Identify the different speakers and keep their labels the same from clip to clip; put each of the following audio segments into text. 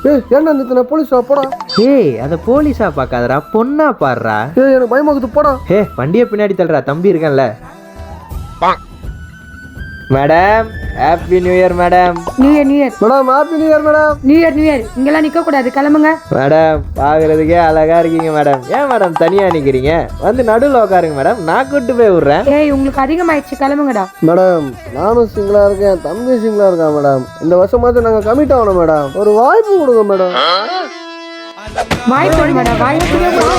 Speaker 1: ஏன்னா நித்தன போலீஸா போடா.
Speaker 2: ஏய் அத போலீஸா பாக்காதடா, பொண்ணா பாடுறா.
Speaker 1: எனக்கு பயமாக்குது போடா.
Speaker 2: வண்டியை பின்னாடி தள்ளுறா, தம்பி இருக்கேன்ல. Madam happy new year madam.
Speaker 3: New year
Speaker 1: madam happy new year madam.
Speaker 3: New year இங்கெல்லாம் நிக்க கூடாது, கிளம்புங்க.
Speaker 2: மேடம் பாக்குறதுக்கே அழகா இருக்கீங்க மேடம். ஏன் மேடம் தனியா நிக்கிறீங்க? வந்து நடுவில் உட்காருங்க மேடம், நான் கூட்டு போய் விடுறேன்.
Speaker 3: ஏய் உங்களுக்கு அதிகமாயிடுச்சு, கிளம்புங்கடா.
Speaker 1: மேடம் நானும் சிங்கிளா இருக்கேன், தம்பி சிங்கிளா இருக்கான் மேடம். இந்த வருஷமாச்சும் நாங்க கமிட் ஆகணும் மேடம். ஒரு வாய்ப்பு கொடுங்க மேடம்.
Speaker 3: வாய்ப்பு மேடம், வாய்ப்பு.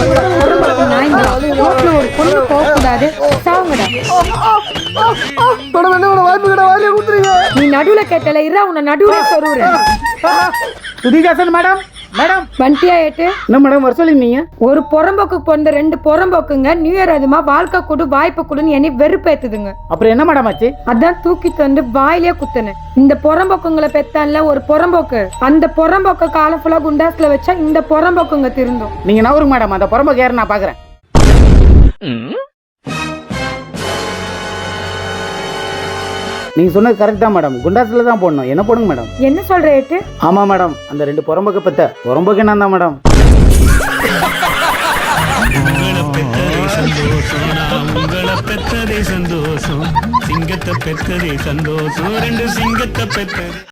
Speaker 3: ஒரு பொண்ணு போக கூடாது, சாவுங்கடா.
Speaker 1: மேடம் என்ன மேடம் வாய்ப்பு கிட்ட வாயிலே கொடுத்துறீங்க.
Speaker 3: நீ நடுவுல கேட்டல, இரா உன்னை நடுவுல சொருவுறேன்.
Speaker 4: சுதிகாசன் மேடம். மேடம்
Speaker 3: வண்டியா ஏட்டு.
Speaker 4: என்ன மேடம் வர சொல்லிருந்தீங்க?
Speaker 3: ஒரு புறம்போக்கு பிறந்த 2 புறம்போக்குங்க நியூ இயர் அதுமா வாழ்க்கை கொடு வாய்ப்பு கொடுன்னு என்னை வெறுப்பேத்துதுங்க.
Speaker 4: அப்புறம் என்ன மேடம் ஆச்சு?
Speaker 3: அதான் தூக்கிட்டு வந்து வாயிலே குத்துனேன். இந்த புறம்போக்குங்களை பெத்தான்ல ஒரு புறம்போக்கு, அந்த புறம்போக்க காலம் ஃபுல்லா குண்டாஸ்ல வச்சா இந்த புறம்போக்குங்க திருந்தும்.
Speaker 4: நீங்க நவருங்க மேடம், அந்த புறம்போக்கு யாரு நான் பாக்குறேன். நீங்க சொன்னது கரெக்ட் தான் மேடம், குண்டாஸ்ல தான் போடணும். என்ன போடுங்க மேடம்?
Speaker 3: என்ன சொல்ற ஏட்டு?
Speaker 4: ஆமா மேடம், அந்த 2 புறம்போக்கு பெத்த புறம்போக்கு என்ன தான் மேடம்.
Speaker 5: உங்களை பெற்றதே சந்தோஷம், சிங்கத்தை பெற்றதே சந்தோஷம், 2 சிங்கத்தை பெற்றது.